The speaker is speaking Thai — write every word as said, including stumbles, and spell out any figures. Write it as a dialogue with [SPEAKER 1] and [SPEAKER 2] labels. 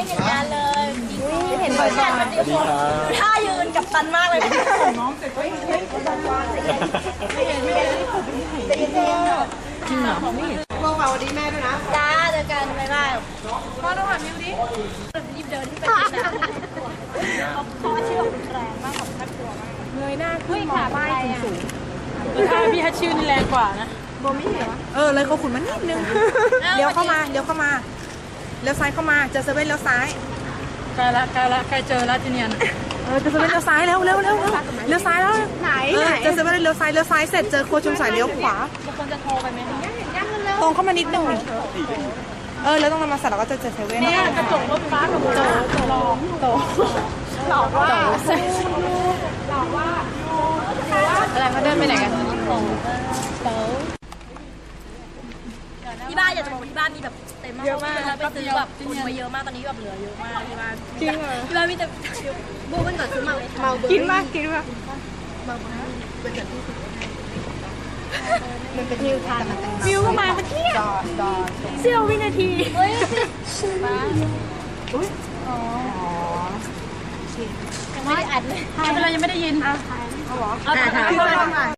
[SPEAKER 1] เห็นงานเลยเห็นบ่อยๆสวัสดีครับท่ายืนกับตันมากเลยน้องเสร็จเฮ้ยเฮ้ยไม่เห็นไม่เห็นไม่เห็นจริงเหรอไม่เห็นลงมาวันนี้แม่ด้วยนะจ้าเจอกันบ๊ายบายพ่อต้องหันมิวดิรีบเดินที่ไปกินนะพ่อชื่อแรงมากของน่ากลัวมากเงยหน้าขึ้นมองป้ายสูงๆถ้าพี่ฮัชชิวนี่แรงกว่านะโบไม่เห็นเออเลยเขาขุนมานิดนึงเลี้ยวเข้ามาเลี้ยวเข้ามาเลี้ยวซ้ายเข้ามาเจอเซเว่นเลี้ยวซ้ายใกล้ละใกล้ละใกล้เจอละที่เนี่ยเออเจอเซเว่นเลี้ยวซ้ายแล้วเร็วเร็วเลี้ยวซ้ายแล้วไหนเจอเซเว่นเลี้ยวซ้ายเลี้ยวซ้ายเสร็จเจอโคชุมสายเลี้ยวขวาบางคนจะโทรไปไหมคะตรงเข้ามานิดนึงเออแล้วตรงนั้นมาเสร็จแล้วก็จะเจอเซเว่นเนี่ยกระจกรถฟ้ากับโจหลอกโตหลอกว่าหลอกว่าอะไรเขาเดินไปไหนกันที่บ้านอยากจะบอกที่บ้านมีแบบเต็มมากเยอะมากไปซื้อแบบคนมาเยอะมากตอนนี้แบบเหลือเยอะมากที่บ้านจริงเหรอที่บ้านมีแต่บูมันก่อนซื้อมาเลยเมากินมากกินมากเมาเป็นแบบที่สุดมันเป็นวิวทันวิวก็มาเมื่อกี้เสี้ยววินาทีเฮ้ยมาอุ้ยอ๋อยังไม่ได้อัดเลยยังไม่ได้ยินเอาถ่ายเอาหรอเอาถ่าย